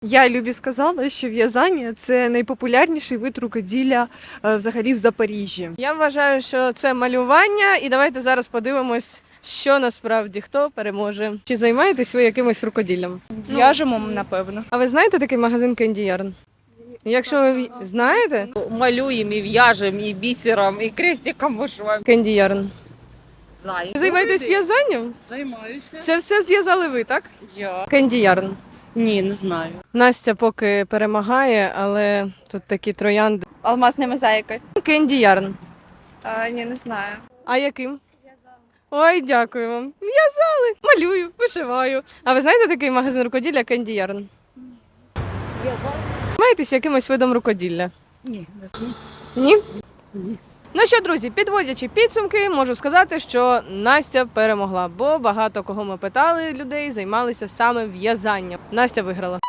Я Любі сказала, що в'язання – це найпопулярніший вид рукоділля взагалі в Запоріжжі. Я вважаю, що це малювання, і давайте зараз подивимось, що насправді хто переможе. Чи займаєтесь ви якимось рукоділлям? В'яжемо, напевно. А ви знаєте такий магазин Candy Yarn? Якщо ви знаєте, Малюємо і в'яжемо, і бісером, і крестиком вишиваємо. Candy Yarn. Знаю. Ви займаєтесь в'язанням? Займаюся. Це все зв'язали ви, так? Я. Candy Yarn. Ні, не знаю. Настя поки перемагає, але тут такі троянди. Алмазна мозаїка. Candy Yarn. Ні, не знаю. А яким? Ой, дякую вам. В'язали. Малюю, вишиваю. А ви знаєте такий магазин рукоділля Candy Yarn? Займаєтесь якимось видом рукоділля? Ні, Ні? Ну що, друзі, підводячи підсумки, можу сказати, що Настя перемогла, бо багато кого ми питали людей, займалися саме в'язанням. Настя виграла.